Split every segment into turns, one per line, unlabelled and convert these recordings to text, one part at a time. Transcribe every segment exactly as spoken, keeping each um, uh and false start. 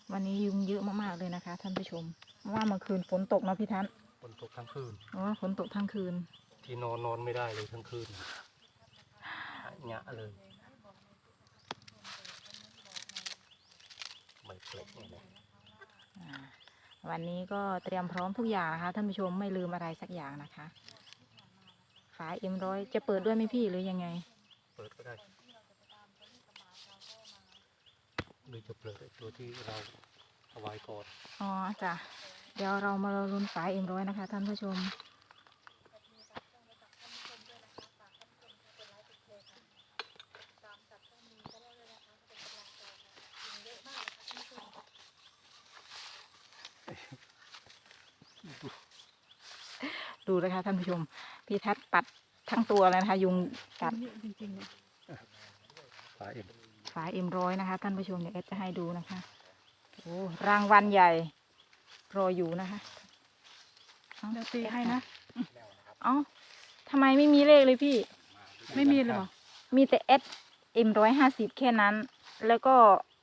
วันนี้ยุงเยอะมากๆเลยนะคะท่านผู้ชมเพราะว่าเมื่อคืนฝนตกเนาะพี่ทัศน์
ฝนตกทั้งคืน
อ๋อฝนตกทั้งคืน
ที่นอนนอนไม่ได้เลยทั้งคืนหงะเลยไม่เปล็กเลย
วันนี้ก็เตรียมพร้อมทุกอย่างนะคะท่านผู้ชมไม่ลืมอะไรสักอย่างนะคะฝาเอ็มร้อยจะเปิดด้วยไหมพี่หรือยังไง
เปิดก็ได้หรือจะเปิดตัวที่เราเอาไว้ก่อน
อ๋อจ้ะเดี๋ยวเรามาลุ้นฝาเอ็มร้อยนะคะท่านผู้ชมดูนะคะท่านผู้ชมพี่ทัศน์ปัดทั้งตัวเลยนะคะยุงกัดจริงๆ
ฝาเอ็ม
ฝาเอ็มร้อยนะคะท่านผู้ชมเดี๋ยวเอสจะให้ดูนะคะโอ้รางวัลใหญ่รออยู่นะคะเดี๋ยวตีให้นะเอ้าทำไมไม่มีเลขเลยพี่ไม่มีเลยหรอมีแต่เอสเอ็มร้อยห้าสิบแค่นั้นแล้วก็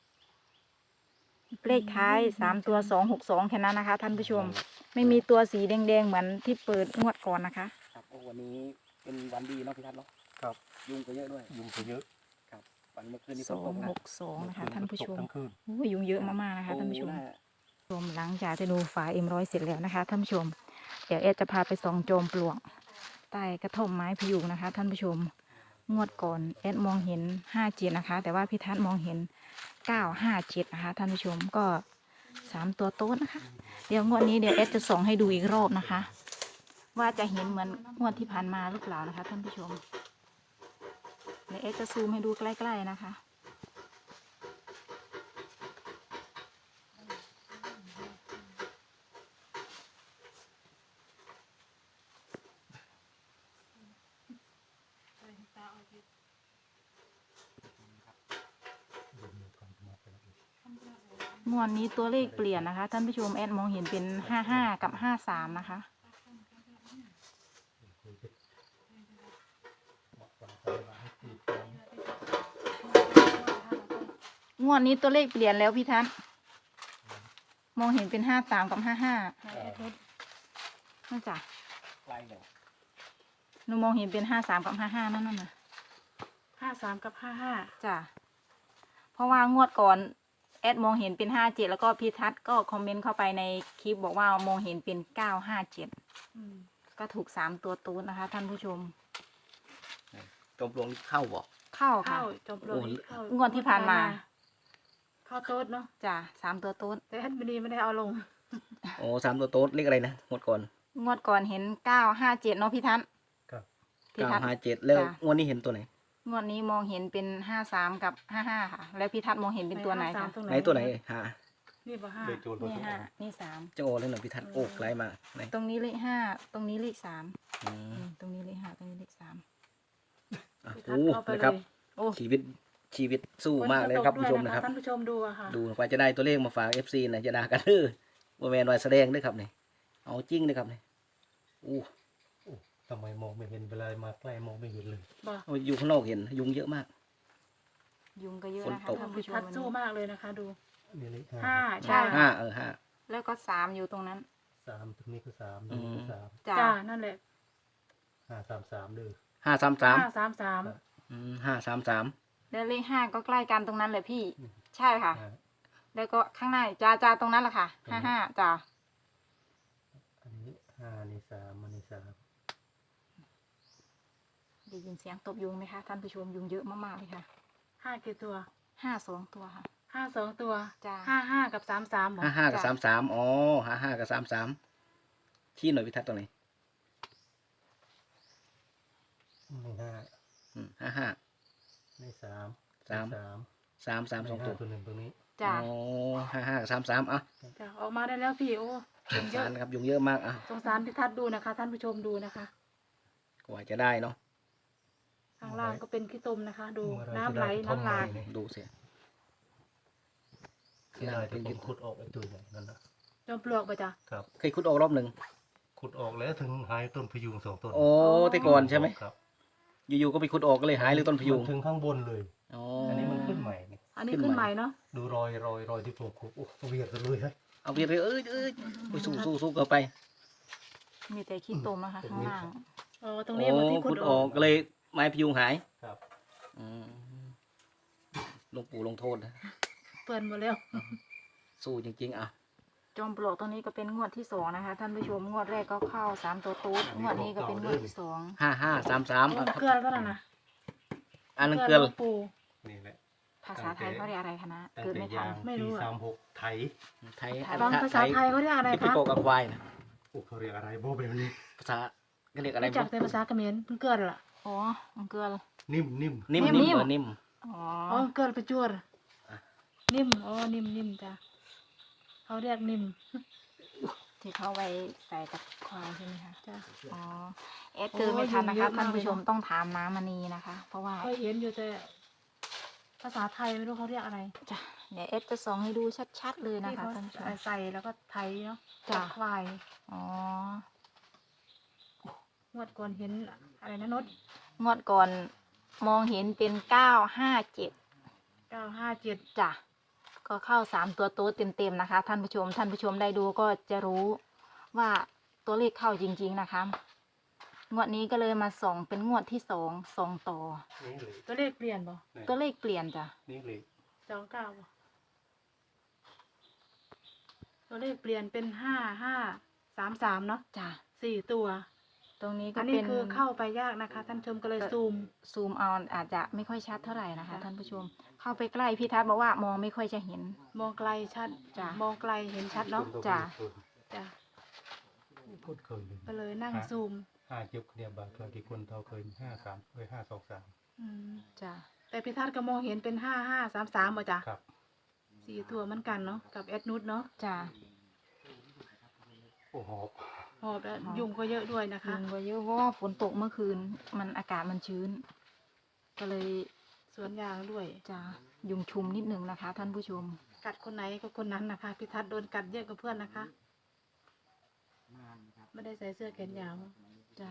เลขท้ายสามตัวสองหกสองแค่นั้นนะคะท่านผู้ชมไม่มีตัวสีแดงๆเหมือนที่เปิดงวดก่อนนะคะ
ครับวันนี้เป็นวันดีเนาะพี่ทัศน์เนาะ
ครับ
ยุงก็เยอะด้วย
ยุงก็เยอะ
ครับวันเมื่อคืนนี้
สองหกสองนะคะท่านผู้ชม
ทั้งคืน
โอ้ยยุงเยอะมากๆนะคะท่านผู้ชมชมหลังจากที่ดูฝาเอ็มร้อยเสร็จแล้วนะคะท่านผู้ชมเดี๋ยวเอจะพาไปส่องโจมปลวกใต้กระท่อมไม้พยุงนะคะท่านผู้ชมงวดก่อนเอสมองเห็นห้าเจ็ดนะคะแต่ว่าพี่ทัศน์มองเห็นเก้าห้าเจ็ดนะคะท่านผู้ชมก็สามตัวโต๊ดนะคะเดี๋ยวงวดนี้เดี๋ยวเอสจะส่องให้ดูอีกรอบนะคะว่าจะเห็นเหมือนงวดที่ผ่านมาหรือเปล่านะคะท่านผู้ชมเดี๋ยวเอสจะซูมให้ดูใกล้ๆนะคะงวดนี้ตัวเลขเปลี่ยนนะคะท่านผู้ชมแอดมองเห็นเป็นห้าห้ากับห้าสามนะคะงวดนี้ตัวเลขเปลี่ยนแล้วพี่ทัศน์มองเห็นเป็นห้าสามกับห้าห้านั่นจ้ะหนูมองเห็นเป็นห้าสามกับห้าห้านั่นน่ะ
ห้าสามกับห้าห้า
จ้ะเพราะว่างวดก่อนแอดมองเห็นเป็นห้าเจ็ดแล้วก็พี่ทัศน์ก็คอมเมนต์เข้าไปในคลิปบอกว่ามองเห็นเป็นเก้าห้าเจ็ดก็ถูกสามตัวตูนนะคะท่านผู้ชม
จมปลวกเข้าบ่
เข้าค่ะ
จมปลวกเข้าง
วดที่ผ่านมา
เข้าโต๊ดเนาะ
จ้ะสามตัวตูน
แต่ท่านบดีไม่ได้เอาลง
โอ้สามตัวโต๊ดเลขอะไรนะงวดก่อน
งวดก่อนเห็นเก้าห้าเจ็ดเนาะพี่ทัศน์
ครับ
เก้าห้าเจ็ดแล้วงวดนี้เห็นตัวไหน
งวดนี้มองเห็นเป็นห้าสามกับห้าห้าค่ะแล้วพี่ทัศน์มองเห็นเป็นตัวไหนคะ
ไหนตัวไหนห้า
นี่ป่ะห้า
นี่ห้านี่สาม
จะโอ้เลยหน่อยพี่ทัศน์โอ้ไกลมาไหน
ตรงนี้เลขห้าตรงนี้เลขสามตรงนี้เลขห้าตรงนี้เลขสาม
โอ้นะครับชีวิตชีวิตสู้มากเลยครับผู้ชมนะครับ
ท่านผู้ชมดูอะค่ะ
ดูกว่าจะได้ตัวเลขมาฝากเอฟซีนะจะด่ากันเด้อว่าแมนว่าแสดงด้วยครับเนี่ยเอาจริงเลยครับเนี่ยอู้
ทำไมมองไม่เห็นเวลามาใกล้มองไม่เห็นเลย
อยู่ข้างนอกเห็นยุงเยอะมาก
ยุงก็เยอะนะคะท่านผู้ชม
พัดสู้มากเลยนะคะดู
ห้า
ใช่
ห้าเออห้า
แล้วก็สามอยู่ตรงนั้น
สามตรงนี้ก็สามตรงนี้ก็สาม
จ้านั่นแหละ
ห้าสามสามเลย
ห้าสามสาม
ห้าสามสาม
ห้าสามสาม
แล้วเลขห้าก็ใกล้กันตรงนั้นเลยพี่ใช่ค่ะแล้วก็ข้างในจ้าจ้าตรงนั้นแหละค่ะห้าห้าจ้า
อันนี้ห้านี่สามอันนี้สาม
ได้ยินเสียงตบยุงไหมคะท่านผู้ชมยุงเยอะมากๆเลยค่ะ
ห้ากี่ตัว
ห้าสองตัวค่ะ
ห้าสองตัว
จ้า
ห้าห้ากับสามสาม
ห้าห้ากับสามสามอ๋อห้าห้ากับสามสามชี้หน่อยพิทัศน์ตรงไหน
ไม่ห้า
อืมห้าห้า
ไม่สาม
สามสามสามสามสองตัว
ตัวหนึ่งตรงนี้
จ้า
อ๋อห้าห้ากับสามสามอ่ะ
จ้าออกมาได้แล้วพี่โอ้
สงสารนะครับยุงเยอะมากอ่ะ
สงสารพิทัศน์ดูนะคะท่านผู้ชมดูนะคะ
กว่าจะได้เนาะ
ข้างล่างก็เป็นขี้ตมนะคะดูน้ำไหลน้ำหลาก
ดูสิ
ที่ได้ที่ผมขุดออกไอ้ตัวนี้นั่นนะ
จมปลวกไปจ้ะ
ครับ
เคยขุดออกรอบหนึ่ง
ขุดออกแล้วถึงหายต้นพยุงสองต้น
โอ้แต่ก่อนใช่ไหม
ครับ
อยู่ๆก็ไปขุดออกก็เลยหายเลยต้นพยุง
ถึงข้างบนเลยอันนี้มันขึ้นใหม่
อันนนี้ขึ้นใหม่เนาะ
ดูรอยรอยรอยที่ผมขุดโอ้เวียดเลยฮะ
เอาเวียนเลยเอ้ยเอ้ยไปสู้สู้สู้กันไป
มีแต่ขี้ตมนะคะข้างล่าง
อ๋อตรงนี้มันที่ขุ
ขุ
ด
ด
อ
อ
อ
อก กก็เลยไม้พยุงหาย
ครับ
อืมหลวงปู่ลงโทษนะ
เปื่อนหมดแล้ว
สู้จริงๆอ่ะ
จอมปลวกตรงนี้ก็เป็นงวดที่สองนะคะท่านผู้ชมงวดแรกก็เข้าสามตัวตูดงวดนี้ก็เป็นงวดที่สอง
ห้าห้าสามสาม
โอ้เกลือแล้วนั่นนะ
อันนั้นเกลือ
หลวงปู่
นี่แหละ
ภาษาไทยเขาเรียกอะไรคะนะ
ตั้ง
เกิด
แต่
ไม่ทั
ยาน ง
ไม่รู้
ปี
อะ
สามหกไถ
ไทย
ไทย
บางภาษาไทยเขาเรียกอะไร
ที่ไป
คะ
โกกับควายนะ
โอ้เขาเรียกอะไรโบแบบนี้
ภาษาก็เรียกอะไร
รู้จักแต่ภาษาเขมรเพิ่งเกิดล่ะ
อ๋อมันเกลือ
นิ่มนิ่ม
นิ่ม
นิ่
นิ่
ม
มเออนิ่ม
อ๋อ
อ๋อเกิดประจวดนิ่มอ๋อนิ่มนิ่มจ้ะเขาเรียกนิ่ม
ที่เขาไว้ใส่กับควายใช่ไหมคะ
จ้ะ
อ๋อเอสเกิดไม่ทันนะ
โอ้ยเย
คะ
อะมาก
ท่านผู้ชม
เลยเนอะ
ต้องถามน้ามณีนะคะ เพราะว่า
เคยเห็นอยู่แต่ภาษาไทยไม่รู้เขาเรียกอะไร
จะเดี๋ยวเอสจะส่องให้ดูชัดๆเลยนะ
ที่
คะ
เขา
ท่านผู้ชม
ใส่แล้วก็ไทยเนาะ
จ้ะ
ควาย
อ๋อ
งวดก่อนเห็นอะไรนะนด
งวดก่อนมองเห็นเป็นเก้าห้าเจ็ด
เก้าห้าเจ็ด
จ้ะก็เข้าสามตัวโต๊ดเต็มๆนะคะ ท่านผู้ชมท่านผู้ชมได้ดูก็จะรู้ว่าตัวเลขเข้าจริงๆนะคะงวดนี้ก็เลยมาส่องเป็นงวดที่สองสองต่อ
นี่เลย
ตัวเลขเปลี่ยนบ่
นี่
ตัวเลขเปลี่ยนจ้ะ
นี่เลย
สองเก้าบ่ตัวเลขเปลี่ยนเป็นห้าห้าสามสามเนาะ
จ้ะ
สี่ตัว
ตรงนี้ก็
อัน
เป็
นี้
น
คือเข้าไปยากนะคะ ท่านผู้ชมก็เลยซูม
ซูมเอาอาจจะไม่ค่อยชัดเท่าไหร่นะคะ
จ้ะ
ท่านผู้ชม เข้าไปใกล้พี่ทัศน์บอกว่ามองไม่ค่อยจะเห็น
มองไกลชัด
จ้ะ
มองไกลเห็นชัดเนาะ
จ้ะ
จ้ะ
พูดเคยเลย
ก็เลยนั่งซูม
ห้าเจ็บเนี่ยบาทเคยกี่คนเท่าเคยห้าสามเคยห้าสองสาม
อืม
จ้ะ
แต่พิทัศน์ก็มองเห็นเป็นห้าห้าสามสามป่ะจ้ะ
ครับ
สี่ตัวเหมือนกันเนาะกับแอดนุชเนาะ
จ้ะ
โอ้หอบ
หอบแล้วยุงก็เยอะด้วยนะคะ
ยุงก็เยอะเพราะว่าฝนตกเมื่อคืน มันอากาศมันชื้น ก็เลย
สวนยางด้วย
จะยุงชุมนิดนึงนะคะ ท่านผู้ชม
กัดคนไหนก็คนนั้นนะคะพิทัศน์โดนกัดเยอะกว่าเพื่อนนะคะ ไม่ได้ใส่เสื้อแขนยาว
จ้ะ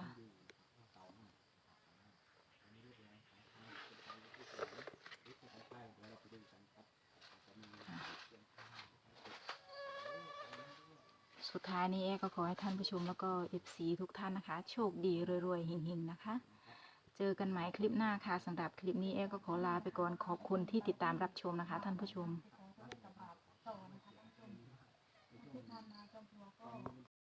สุดท้ายนี้เอก็ขอให้ท่านผู้ชมแล้วก็เอฟซีทุกท่านนะคะ โชคดีรวยๆเฮงๆนะคะ เจอกันใหม่คลิปหน้าค่ะสำหรับคลิปนี้เอก็ขอลาไปก่อนขอบคุณที่ติดตามรับชมนะคะ ท่านผู้ชม